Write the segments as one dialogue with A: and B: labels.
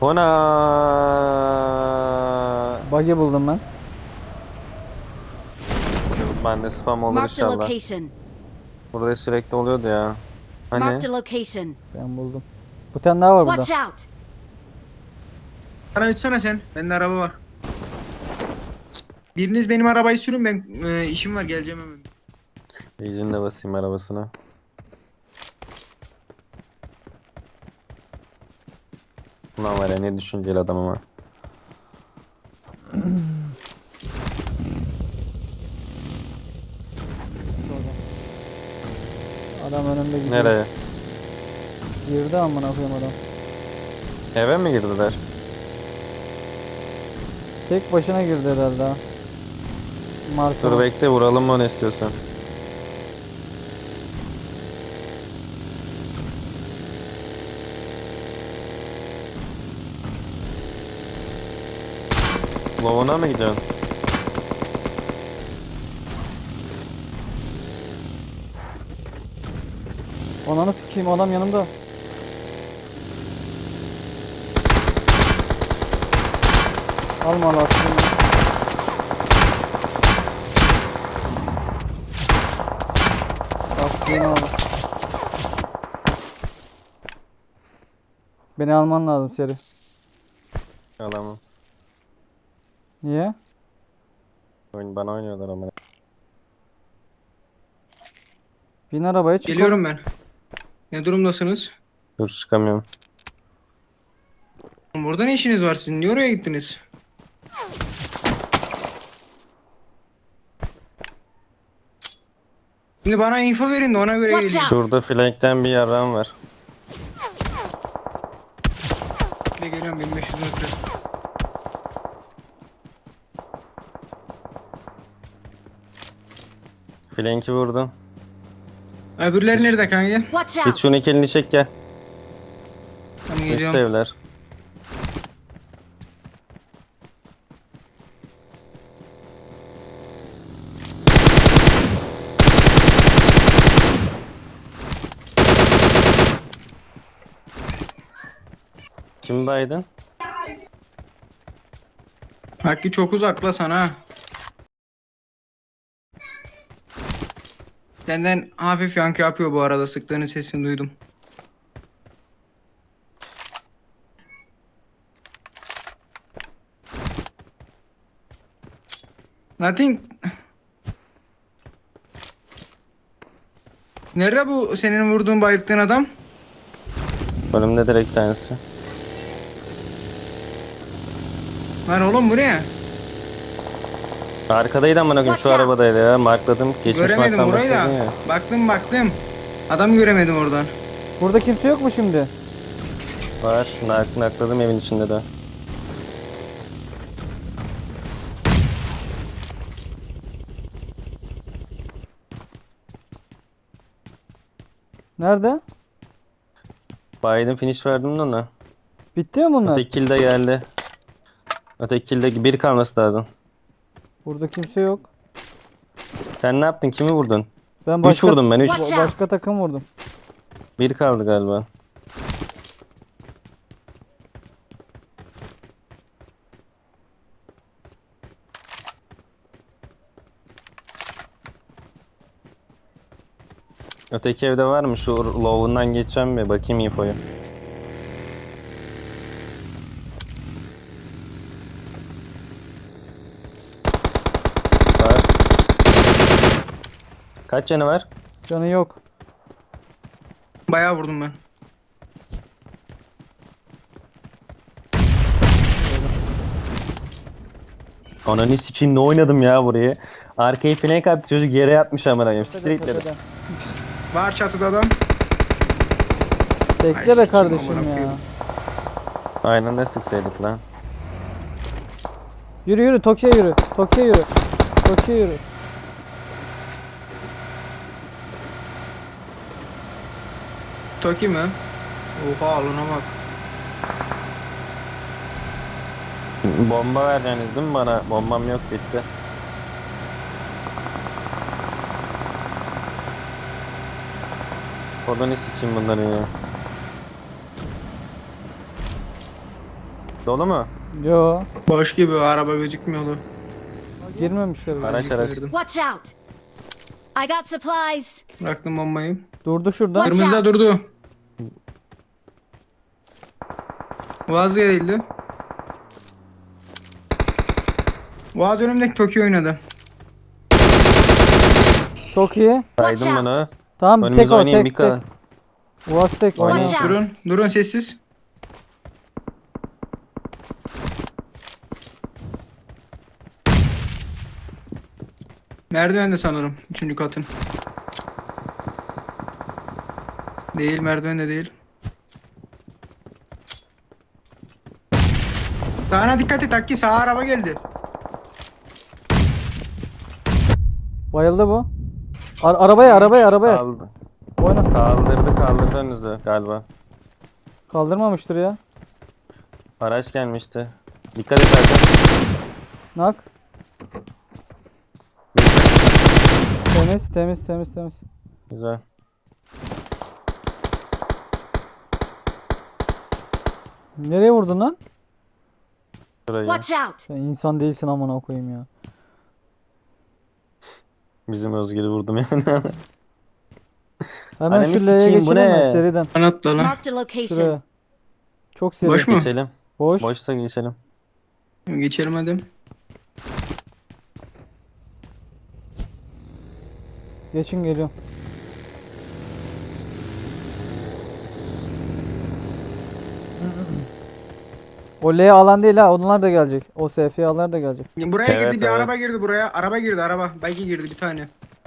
A: Ona
B: Buggy buldum ben.
A: ben de spam olur
C: Marked a
A: inşallah.
C: location.
A: Burada sürekli oluyordu ya.
C: Marked
A: Hani
C: a location.
B: Ben buldum. Bir tane daha var burada.
C: Watch out!
D: Bana uçsana sen. Bende araba var. Biriniz benim arabayı sürün, ben işim var, geleceğim hemen.
A: iyicini de basayım arabasına. Ulan var ya ne düşünceli adam ama.
B: Adam önümde gidiyor.
A: Nereye?
B: Girdi amına koyayım adam.
A: Eve mi girdiler?
B: Tek başına girdi herhalde ha. Marka.
A: Dur bekle vuralım mı onu istiyorsan. Lovuna mı gidiyorsun?
B: Ananı sikeyim, adam yanımda. Alma lastiğini. Lastiğini al. Beni alman lazım seri.
A: Alamam.
B: Niye?
A: Oyun bana oynuyorlar ama.
B: Bin arabaya çık.
D: Geliyorum ben. Ne durumdasınız?
A: Dur çıkamıyorum.
D: Burada ne işiniz var sizin? Niye oraya gittiniz? Şimdi bana info verin de ona göre
C: Watch
D: geleyim.
C: out.
A: Şurada flankten bir yaran var.
D: Şimdi geliyorum 1500 metre.
A: Flanki vurdum.
D: Öbürleri nerede kanka?
C: Watch
A: Git
C: out!
A: şunu ikilini çek gel.
D: Tamam,
A: Üst
D: geliyorum.
A: evler. Kim baydın?
D: Hakkı çok uzakla sana. Senden hafif yankı yapıyor bu arada. Sıktığının sesini duydum. Nothing. Nerede bu senin vurduğun, bayılttığın adam?
A: Önümde direkt tanesi.
D: Lan oğlum bu ne?
A: Arkadaydı amına koyayım şu
C: Watch out.
A: arabadaydı ya. Markladım. Geçmiş
D: Göremedim
A: marktan
D: burayı da.
A: başladın ya.
D: Baktım. Adam göremedim oradan.
B: Burada kimse yok mu şimdi?
A: Var. Nakladım evin içinde de.
B: Nerede?
A: Biden finish verdim de ona.
B: Bitti mi bunlar?
A: Öteki kill de geldi. Öteki kill bir kalması lazım.
B: Burada kimse yok.
A: Sen ne yaptın? Kimi vurdun?
B: Ben
A: 3
B: başka
A: vurdum ben 3.
C: Watch out.
B: başka takım vurdum.
A: Bir kaldı galiba. Öteki evde var mı? Şu low'undan geçeceğim bir bakayım infoyu. Var. Kaç canı var?
B: Canı yok.
D: Bayağı vurdum ben.
A: Ananı sikeyim ne oynadım ya burayı. Arkayı flank attı çocuk yere yatmış amına koyayım. Siktir git dedim.
B: Tepeden.
D: Var çatıda adam.
B: Bekle be kardeşim
D: amına
B: ya.
D: koyayım.
A: Aynen ne sıksaydık lan.
B: Yürü yürü Tokyo'ya yürü. Tokyo'ya yürü. Tokyo'ya yürü.
D: Toki mi? Oha alına bak.
A: Bomba vereceksiniz değil mi bana? Bombam yok bitti. Kodunu sikeyim bunları ya. Dolu mu?
B: Yo.
D: Boş gibi araba gözükmüyordu.
B: Girmemişler bile.
A: Araç araç.
C: Watch out! I got supplies.
D: Bıraktım bombayı.
B: Durdu şurada.
C: Watch
D: Kırmızıda
C: out.
D: durdu. Vazgeçildi. Vaz önümdeki Tokyo oynadı.
B: Çok iyi.
C: Watch
A: Saydım
C: out.
A: bunu.
B: Tamam tek
A: Önümüze
B: o
A: oynayayım bir
B: tek tek.
A: kadar.
B: Uaz tek
A: Oynayın.
B: oyna.
C: Watch out.
D: Durun. Durun sessiz. Merdivende sanırım. Üçüncü katın. Değil, merdivende değil. Sağına dikkat et Akki, sağa araba geldi.
B: Bayıldı bu. Arabaya.
A: Kaldı.
B: Oyna.
A: Kaldırdı önünüzü galiba.
B: Kaldırmamıştır ya.
A: Araç gelmişti. Dikkat et Erkan.
B: Nak. Temiz.
A: Güzel.
B: Nereye vurdun lan?
A: Şurayı.
C: Watch out!
B: Sen insan değilsin amına koyayım ya.
A: Bizim Özgür'ü vurdum yani.
B: Hemen
A: Ananı
B: şu L'ye
A: sikeyim, bu
B: geçelim mi?
A: ne?
B: Seriden.
D: Anlatla lan.
C: Marked a location.
B: Şuraya. Çok seri.
D: Boş mu?
A: Geçelim.
B: Boş.
A: Boşsa geçelim.
D: Geçelim hadi.
B: Geçin geliyorum. O L alan değil ha. Onlar da gelecek. O SFA'lar da gelecek.
D: Buraya
A: Evet,
D: girdi, bir
A: evet.
D: araba girdi buraya. Araba girdi, araba. Belki girdi bir tane.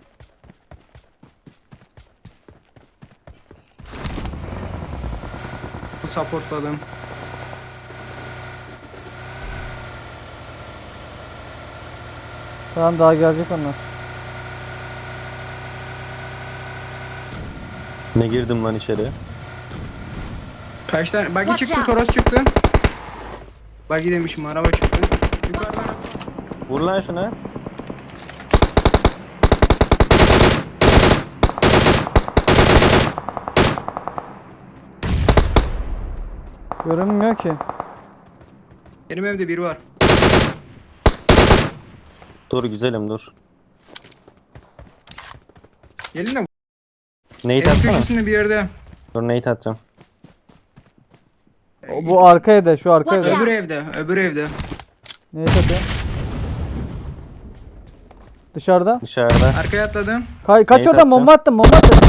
D: Supportladım.
B: Tamam daha gelecek onlar.
A: Ne girdim lan içeri?
D: Kaç tane? Buggy
C: Watch
D: çıktı,
C: out.
D: Toros çıktı. Buggy demişim, araba çıktı. Yukarıdan.
A: Vur lan şuna.
B: Görünmüyor ki.
D: Benim evde biri var.
A: Dur güzelim dur.
D: Gelin de
A: Nate
D: evin
A: atsana.
D: köşesinde bir yerde.
A: Dur Nate atacağım.
B: Bu arkaya da şu arkaya
C: Watch
B: da.
C: out.
D: Öbür evde, öbür evde.
B: Neyse atıyor. Dışarıda.
A: Dışarıda.
D: Arkaya atladım.
B: Kaç
A: Neyi
B: oradan bomba attım bomba attım.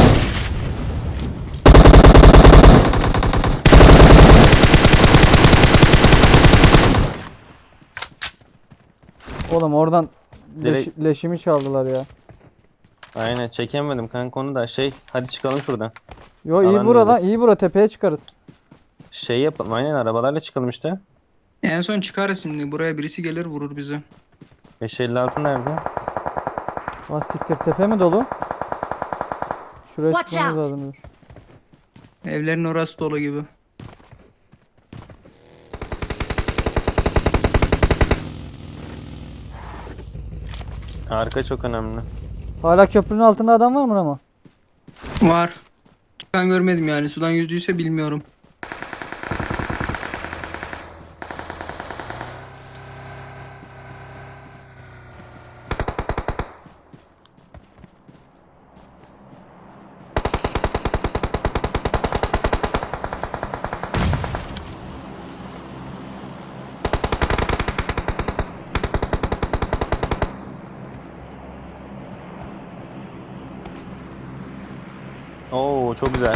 B: Oğlum oradan
A: Direkt-
B: leşimi çaldılar ya.
A: Aynen çekemedim kanka onu da hadi çıkalım şuradan.
B: Yo iyi
A: Alan
B: bura lan
A: diyoruz.
B: iyi bura tepeye çıkarız.
A: Şey yapalım aynen arabalarla çıkalım işte.
D: En son çıkarız şimdi. Buraya birisi gelir vurur bizi.
A: 556 nerede?
B: Ah siktir tepe mi dolu? Şuraya
C: Watch
B: çıkmamız
C: out.
B: lazım.
D: Evlerin orası dolu gibi.
A: Arka çok önemli.
B: Hala köprünün altında adam var mı ama?
D: Var. Ben görmedim yani. Sudan yüzdüyse bilmiyorum.
A: Oo çok güzel.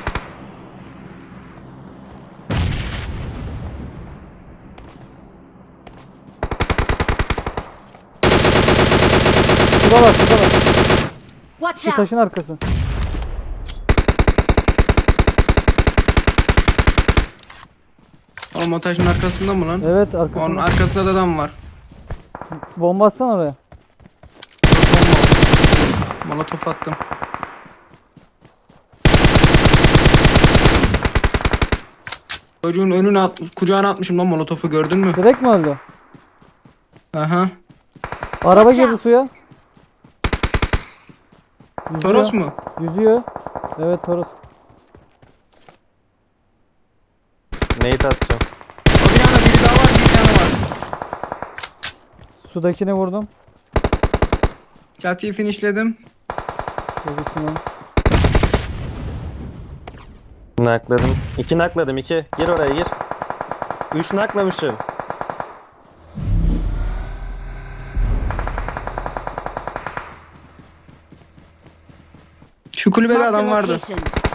B: Şurada var.
C: Watch
B: Şu taşın
C: out!
B: arkası.
D: O montajın arkasında mı lan?
B: Evet
D: Onun
B: arkasında.
D: arkasında da adam var.
B: Bomba atsana oraya.
D: Molotof attım. Çocuğun önüne kucağına atmışım lan molotofu, gördün mü?
B: Direkt mi öldü?
D: Aha.
B: Araba
C: Watch
B: girdi
C: out.
B: suya. Yüzüyor.
D: Toros mu?
B: Yüzüyor. Evet Toros.
A: Nate atacağım.
D: O binada biri
B: Sudakini vurdum.
D: Çatıyı finishledim.
B: Çocuksun.
A: Nakladım. 2 nakladım 2. Gir oraya gir. 3 naklamışım.
D: Şu kulübede
C: Marked a
D: adam vardı.
C: location.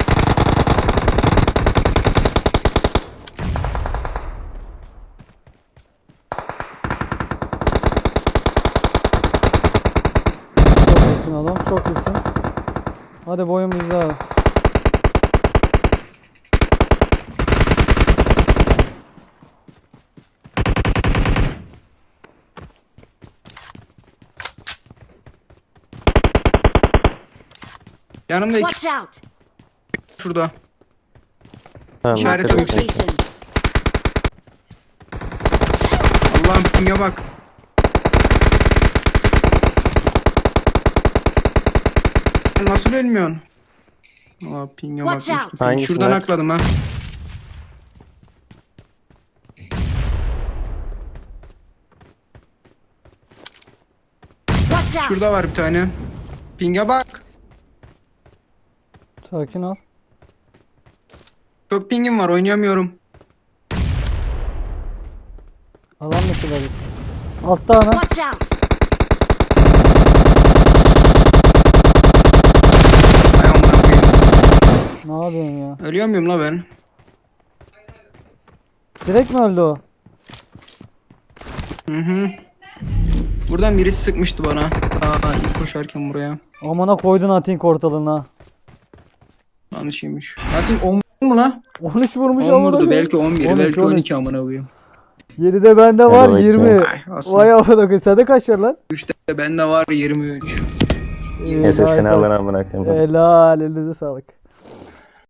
B: Çok iyisin oğlum. Çok iyisin. Hadi boyun bizde abi.
D: Yanımda iki
C: Watch out!
D: şurada.
A: Tamam,
D: İşaret
C: Marked a
A: nakladım.
C: location.
D: Allah'ım pinge bak. Sen nasıl ölmüyorsun? Aa pinge bak.
C: Watch out.
A: Hangisi
D: Şuradan
A: var?
D: akladım ha.
C: Watch out!
D: Şurada var bir tane. Pinge bak.
B: Sakin ol.
D: Çok pingim var oynayamıyorum.
B: Alan dışı var. Altta ana.
C: Watch out!
D: Ay amına koyayım.
B: Ne yapıyorsun ya?
D: Ölüyor muyum la ben?
B: Direkt mi öldü o?
D: Hı hı. Buradan birisi sıkmıştı bana. Aa ilk koşarken buraya.
B: Amına koydun Atin ortalığına.
D: Yanlışıymış. Zaten 10 mu la?
B: 13 vurmuş
D: 10
B: amına
D: vurdu.
B: koyayım.
D: Belki 11,
B: 13,
D: belki
B: 13.
D: 12 amına koyayım.
B: 7'de bende var
A: Hadi
B: 20.
A: bakayım.
D: Ay, aslında.
B: Vay amına koyayım. Sende kaç var lan?
D: 3'te bende var 23.
A: SS'ini
B: Helal,
A: alın amına koyayım.
B: helal elinize sağlık.